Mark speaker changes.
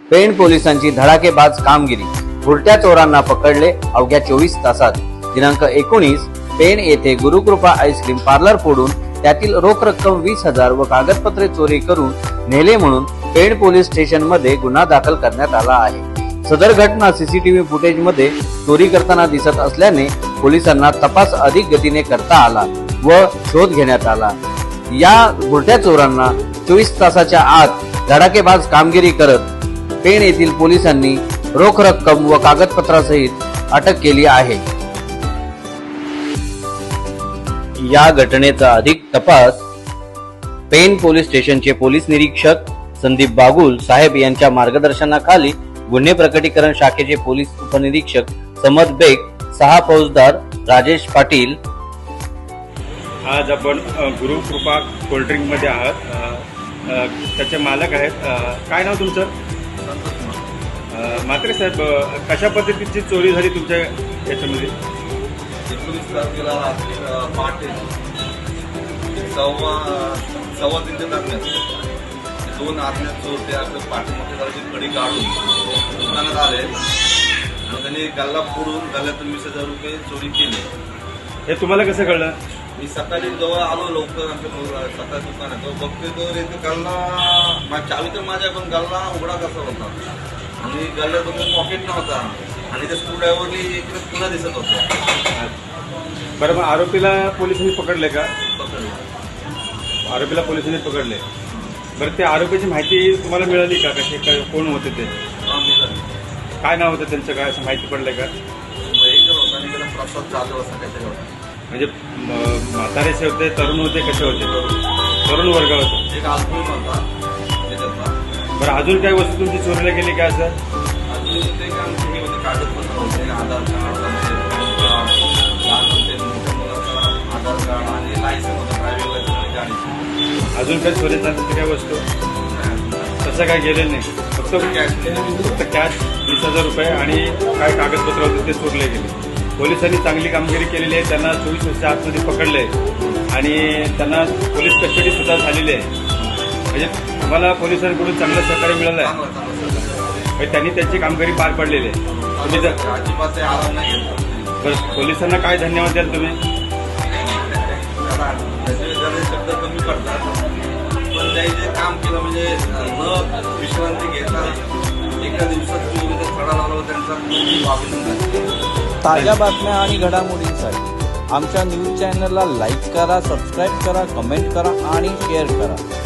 Speaker 1: पेण पोलिसांची धडाकेबाज कामगिरी, भुरट्या चोरांना पकडले अवघ्या 24 तासात। दिनांक 19 पेण येथे गुरुकृपा आईस्क्रीम पार्लर फोडून त्यातील रोख रक्कम 20,000 व कागदपत्रे चोरी करून नेले म्हणून पेण पोलीस स्टेशन मध्ये गुन्हा दाखल करण्यात आला आहे। सदर घटना सीसीटीव्ही फुटेज मध्ये चोरी करताना दिसत असल्याने पोलिसांना तपास अधिक गतीने करता आला व शोध घेण्यात आला। या भुरट्या चोरांना 24 तासाच्या आत धडाकेबाज कामगिरी करत पेण येथील पोलिसांनी रोख रक्कम व कागदपत्रासहित अटक केली आहे। या घटनेचा अधिक तपास पेण पोलीस स्टेशनचे पोलीस निरीक्षक संदीप बागुल साहेब यांच्या मार्गदर्शनाखाली गुन्हे प्रकटीकरण शाखेचे पोलीस उपनिरीक्षक समद बेग, 6 फौजदार राजेश पाटील।
Speaker 2: आज आपण गुरुकृपा कोल्ड्रिंक मध्ये आहात, त्याचे मालक आहेत। काय नाव तुमचं? म्हात्रे साहेब, कशा पद्धतीची चोरी झाली तुमच्या याच्यामध्ये?
Speaker 3: 19 तारखेला रात्री पहाटे 2:15 दरम्यान 2 आज्ञात चोर ते आपल्या पाठीमागची कडी काढून दुकानात आले। मग त्यांनी गल्ला फोडून गल्ल्यातून 20,000 रुपये चोरी केले।
Speaker 2: हे तुम्हाला कसं कळलं?
Speaker 3: मी सकाळी जवळ आलो लवकर आमच्या सकाळी दुकानात, तो बघतोय तो इथे गल्ला चावी तर माझ्या, पण गल्ला उघडा कसा होता आणि गल्ल्यात पॉकेट नव्हता आणि त्या स्क्रूड्रायव्हरनी इकडे पुन्हा दिसत होतं।
Speaker 2: बरं, मग आरोपीला पोलिसांनी पकडले का?
Speaker 3: पकडलं।
Speaker 2: आरोपीला पोलिसांनी पकडले। बरं, ते आरोपीची माहिती तुम्हाला मिळाली का? कसे कोण होते ते? काय नाव होतं त्यांचं? काय असं माहिती पडलं का?
Speaker 3: प्रसाद जाधव असं काहीतरी होतं।
Speaker 2: म्हणजे म्हातारेचे होते, तरुण होते, कसे होते? तरुण वर्ग होते।
Speaker 3: एक अल्पवयीन होता त्याच्यातला।
Speaker 2: बरं, अजून काही वस्तू तुमची चोरीला गेली का? असं
Speaker 3: अजून ते आमचे हे होते, कागदपत्र होते, आधार कार्ड, लहान होते, मोठ्या मुलाचा आधार कार्ड आणि लायसन होतं ड्रायव्हिंग लायसन आणि गाडीचं।
Speaker 2: अजून काही चोरी झाली काय वस्तू? तसं काय गेलेलं नाही, फक्त कॅश 20,000 रुपये आणि काय कागदपत्र होते ते चोरले गेले। पोलिसांनी चांगली कामगिरी केलेली आहे, त्यांना 24 वर्षाच्या आतमध्ये पकडले आणि त्यांना पोलीस कस्टडी सुद्धा झालेली आहे। म्हणजे तुम्हाला पोलिसांकडून चांगलं सहकार्य मिळालं आहे, त्यांनी त्यांची कामगिरी पार पडलेली आहे। तुम्ही जर
Speaker 3: अजिबात आराम नाही घेतला।
Speaker 2: बरं, पोलिसांना काय धन्यवाद द्याल तुम्ही?
Speaker 3: शब्द कमी पडतात, पण त्यांनी जे काम केलं म्हणजे न विश्रांती घेता एका दिवसात थोडा लावला, त्यांचा अभिनंदन।
Speaker 4: ताज्या बातम्या आणि घडामोडींसाठी आमच्या न्यूज चॅनलला लाईक करा, सबस्क्राईब करा, कमेंट करा आणि शेअर करा।